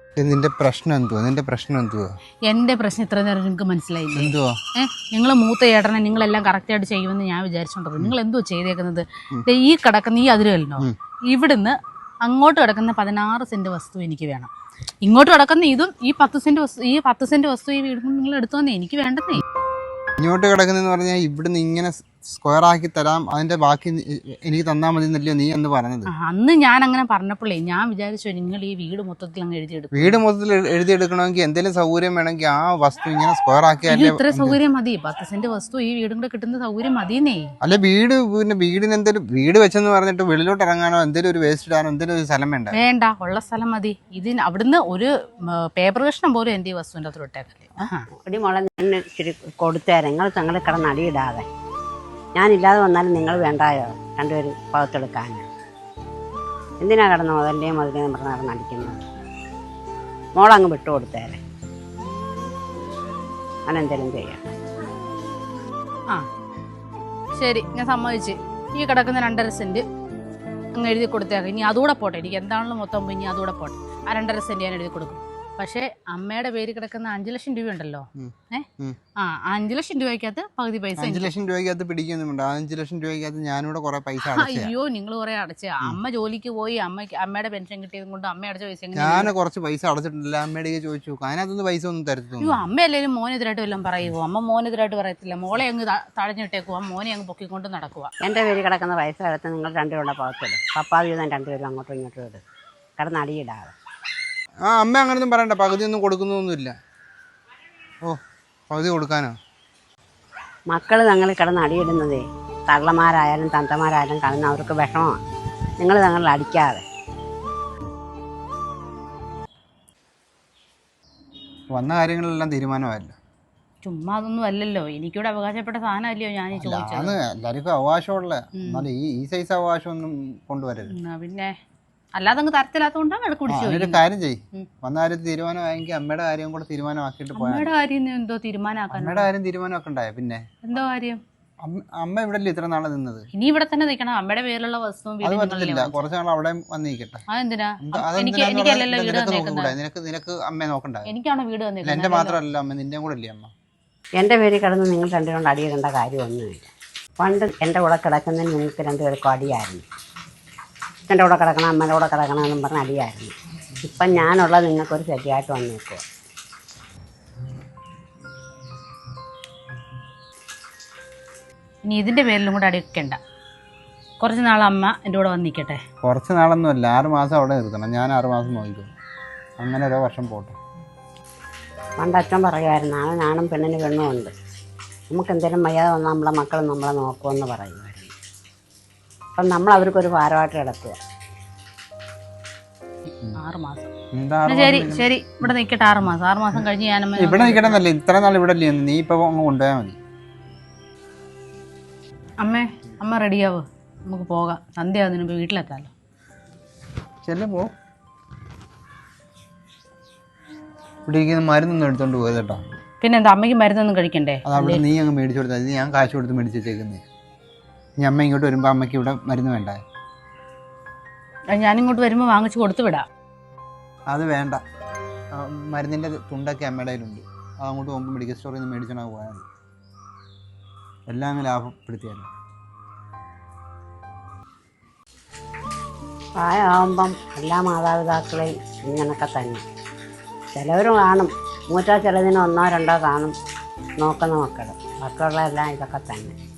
നിന്റെ പ്രശ്നം എന്തുവാ? എന്റെ പ്രശ്നം ഇത്ര നേരം നിങ്ങൾക്ക് മനസ്സിലായില്ലേ? എന്തുവാ? നിങ്ങൾ മൂത്ത ചേട്ടനെ നിങ്ങളെല്ലാം കറക്റ്റായിട്ട് ചെയ്യുമെന്ന് ഞാൻ വിചാരിച്ചോണ്ടത്. നിങ്ങൾ എന്തോ ചെയ്തേക്കുന്നത്? ഈ കിടക്കുന്ന ഈ അതിരല്ലോ, ഇവിടുന്ന് അങ്ങോട്ട് കിടക്കുന്ന 16 സെന്റ് വസ്തു എനിക്ക് വേണം. ഇങ്ങോട്ട് കിടക്കുന്ന ഇതും ഈ 10 സെന്റ് വസ്തു ഈ വീടും നിങ്ങൾ എടുത്തോന്നേ, എനിക്ക് വേണ്ടതേ. ഇങ്ങോട്ട് കിടക്കുന്നെന്ന് പറഞ്ഞാൽ ഇവിടുന്ന് ഇങ്ങനെ സ്ക്വയർ ആക്കി തരാം, അതിന്റെ ബാക്കി എനിക്ക് തന്നാൽ മതി എന്നല്ലയോ നീ എന്ന് പറഞ്ഞത്? അന്ന് ഞാൻ അങ്ങനെ പറഞ്ഞപ്പോഴേ ഞാൻ വിചാരിച്ചു നിങ്ങൾ ഈ വീട് മൊത്തത്തിൽ അങ്ങ് എഴുതിയെടുക്കും. വീട് മൊത്തത്തിൽ എഴുതിയെടുക്കണമെങ്കിൽ എന്തെങ്കിലും സൗകര്യം വേണമെങ്കിൽ ആ വസ്തു ഇങ്ങനെ സ്ക്വയർ ആക്കിയാലേ. ഇത്ര സൗകര്യം മതി, 10 സെന്റ് വസ്തു ഈ വീടും കൂടെ കിട്ടുന്ന സൗകര്യം മതിയെന്നേ. അല്ലെ വീട്, പിന്നെ വീടിന് എന്തെങ്കിലും വീട് വെച്ചെന്ന് പറഞ്ഞിട്ട് വെളിയിലോട്ട് ഇറങ്ങാനോ എന്തെങ്കിലും ഒരു വേസ്റ്റ് ഇടാനോ എന്തെങ്കിലും ഒരു സ്ഥലം വേണ്ട, ഉള്ള സ്ഥലം മതി. ഇതിന് അവിടുന്ന് ഒരു പേപ്പർ കഷ്ണം പോലും എന്റെ ഈ വസ്തുവിന്റെ അത്ര ഇട്ടേക്കല്ലേ. ഒരു മുള ഞാൻ ഇച്ചിരി കൊടുത്തേരെ, നിങ്ങൾ തങ്ങളെ കിടന്ന് അടിയിടാതെ. ഞാനില്ലാതെ വന്നാലും നിങ്ങൾ വേണ്ടായോ രണ്ടുപേരും പകത്തെടുക്കാൻ? എന്തിനാ കിടന്ന് മുതലിൻ്റെയും മുതലേയും പറഞ്ഞ് കിടന്ന് അടിക്കുന്നത്? മോളങ്ങ് വിട്ടുകൊടുത്തേരെ, അങ്ങനെന്തേലും ചെയ്യാം. ശരി, ഞാൻ സമ്മതിച്ച്. ഈ കിടക്കുന്ന 2.5 സെന്റ് അങ്ങ് എഴുതി കൊടുത്തേക്കാം. ഇനി അതുകൂടെ പോട്ടെ, എനിക്ക് എന്താണല്ലോ മൊത്തം ഇനി അതുകൂടെ പോട്ടെ. ആ 2.5 സെന്റ് ഞാൻ എഴുതി കൊടുക്കും. പക്ഷെ അമ്മയുടെ പേര് കിടക്കുന്ന 5 ലക്ഷം രൂപ ഉണ്ടല്ലോ, 5 ലക്ഷം രൂപയ്ക്കകത്ത് പകുതി പൈസ. 5 ലക്ഷം രൂപയ്ക്കകത്ത് പിടിക്കുന്നുണ്ട്. 5 ലക്ഷം രൂപയ്ക്കകത്ത് ഞാനിവിടെ കുറെ പൈസ. അയ്യോ, നിങ്ങൾ കുറെ അടച്ച. അമ്മ ജോലിക്ക് പോയി അമ്മയുടെ പെൻഷൻ കിട്ടിയത് കൊണ്ട് അമ്മ അടച്ച പൈസ. ഞാൻ കുറച്ച് പൈസ അടച്ചിട്ടില്ല, അമ്മയുടെ ചോദിച്ചു. അതിനകത്തൊന്നും പൈസ ഒന്നും തരത്തില്ല. അയ്യോ, അമ്മയല്ലേലും മോനെതിരായിട്ട് വല്ലതും പറയുമോ? അമ്മ മോനെതിരായിട്ട് പറയത്തില്ല. മോളെ അങ്ങ് തഴഞ്ഞിട്ടേക്കുവാ, മോനെ അങ്ങ് പൊക്കിക്കൊണ്ട് നടക്കുക. എൻ്റെ പേര് കിടക്കുന്ന പൈസ എടുത്ത് നിങ്ങൾ രണ്ടുപേരുടെ പകത്തിടും. പപ്പാവീതം രണ്ടുപേരും അങ്ങോട്ടും ഇങ്ങോട്ടും ഇടും, കിടന്ന് അടിയിടാതെ. അമ്മ അങ്ങനൊന്നും പറയണ്ട, പകുതി ഒന്നും കൊടുക്കുന്നൊന്നുമില്ല. ഓ, പകുതി കൊടുക്കാനോ? മക്കൾ തങ്ങളിൽ കിടന്ന് അടിയിടുന്നതേ തള്ളമാരായാലും തന്തമാരായാലും കാണുന്ന അവർക്ക് വിഷമമാണ്. നിങ്ങൾ തങ്ങളിൽ അടിക്കാതെ. വന്ന കാര്യങ്ങളെല്ലാം തീരുമാനമായല്ലോ. ചുമ്മാ അതൊന്നും അല്ലല്ലോ, എനിക്കൂടെ അവകാശപ്പെട്ട സാധനമല്ലയോ ഞാൻ ചോദിച്ചത്. എല്ലാവർക്കും അവകാശമുള്ള, എന്നാലും ഈ സൈസ് അവകാശം ഒന്നും കൊണ്ടുവരരുത്. പിന്നെ അല്ലാതെ അങ്ങ് തരത്തില്ലാത്തോണ്ടാണ് അവിടെ കുടിച്ചു. ഒരു കാര്യം ചെയ്യും, വന്ന കാര്യം തീരുമാനമായെങ്കിൽ അമ്മയുടെ കാര്യം കൂടെ തീരുമാനമാക്കിയിട്ട് പോയാൽ. അമ്മയുടെ കാര്യം എന്തോ തീരുമാനമാക്കാൻ? അമ്മയുടെ കാര്യം തീരുമാനമാക്കണ്ടായ പിന്നെ എന്തോ കാര്യം? അമ്മ ഇവിടെ ഇത്ര നാളെ നിന്നത്, ഇനി ഇവിടെ തന്നെ നിൽക്കണം. അമ്മയുടെ പേരിലുള്ള വസ്തു അത് പറ്റില്ല, കുറച്ച് നാൾ അവിടെ വന്നിരിക്കട്ടെ. അതെന്തിനാ? നിനക്ക് അമ്മയെ നോക്കണ്ട. എനിക്കാണോ വീട് വന്നില്ല? എന്റെ മാത്രമല്ല അമ്മ, നിന്റെയും കൂടെ അല്ലേ അമ്മ? എൻ്റെ പേരിൽ കിടന്ന് നിങ്ങൾ രണ്ടുകൊണ്ട് അടിയിടേണ്ട കാര്യമൊന്നുമില്ല. പണ്ട് എൻ്റെ കൂടെ കിടക്കുന്നതിന് നിങ്ങൾക്ക് രണ്ടുപേർക്കും അടിയായിരുന്നു. എൻ്റെ കൂടെ കിടക്കണം, അമ്മയുടെ കൂടെ കിടക്കണം എന്നും പറഞ്ഞ് അടിയായിരുന്നു. ഇപ്പം ഞാനുള്ളത് നിങ്ങൾക്കൊരു ശരിയായിട്ട് വന്നേക്കുക. ഇനി ഇതിൻ്റെ പേരിലും കൂടെ അടിക്കണ്ട. കുറച്ച് നാൾ അമ്മ എൻ്റെ കൂടെ വന്ന് നിൽക്കട്ടെ. കുറച്ച് നാളൊന്നുമല്ല, 6 മാസം അവിടെ നിർത്തണം. ഞാൻ 6 മാസം നോക്കിക്കോളും. അങ്ങനെ ഓരോ വർഷം പോട്ടെ. പണ്ട് അച്ഛൻ പറയുമായിരുന്നു, ആണും പെണ്ണിന് പെണ്ണുമുണ്ട്, നമുക്ക് എന്തെങ്കിലും വയ്യാതെ വന്നാൽ നമ്മളെ മക്കൾ നമ്മളെ നോക്കുമെന്ന് പറയുമായിരുന്നു. അപ്പം നമ്മൾ അവർക്കൊരു ഭാരമായിട്ട് കിടക്കുക. 6 മാസം ശരി, ഇവിടെ നിൽക്കട്ടെ. 6 മാസം 6 മാസം കഴിഞ്ഞ് ഞാൻ ഇവിടെ നിൽക്കണമെന്നല്ലേ, ഇത്ര നാൾ ഇവിടെ അല്ലേ, നീ ഇപ്പൊ അങ്ങ് കൊണ്ടുപോയാൽ മതി. അമ്മ റെഡിയാവ്, നമുക്ക് പോകാം. സന്ധ്യ ആകുന്നതിന് മുമ്പ് വീട്ടിലെത്താമല്ലോ. ചെല്ലുമ്പോ ഇവിടെ ഇരിക്കുന്ന മരുന്നൊന്നും എടുത്തോണ്ട് പോയത് കേട്ടോ. പിന്നെ എന്താ, അമ്മയ്ക്ക് മരുന്നൊന്നും കഴിക്കണ്ടേ? അതവിടെ നീ അങ്ങ് മേടിച്ചു കൊടുത്താൽ ഞാൻ കാശ് കൊടുത്ത് മേടിച്ച് വെച്ചേക്കുന്നേ. ഇനി അമ്മ ഇങ്ങോട്ട് വരുമ്പോ അമ്മയ്ക്ക് ഇവിടെ മരുന്ന് വേണ്ട? ഞാനിങ്ങോട്ട് വരുമ്പോൾ വാങ്ങിച്ചു കൊടുത്തു വിടാം. അത് വേണ്ട, മരുന്നിന്റെ തുണ്ടൊക്കെ അമ്മയുടെ കയ്യിലുണ്ട്. അത് അങ്ങോട്ട് പോകുമ്പോൾ മെഡിക്കൽ സ്റ്റോറിൽ നിന്ന് മേടിച്ചോണ്ടാ പോയാൽ മതി. എല്ലാം അങ്ങ് ലാഭപ്പെടുത്തിയല്ലോ. പ്രായമാകുമ്പം എല്ലാ മാതാപിതാക്കളെയും ഇങ്ങനൊക്കെ തന്നെ. ചിലവർ കാണും, ചിലതിന് 1 2 കാണും നോക്കുന്ന മക്കൾ, ബാക്കിയുള്ള എല്ലാം ഇതൊക്കെ തന്നെ.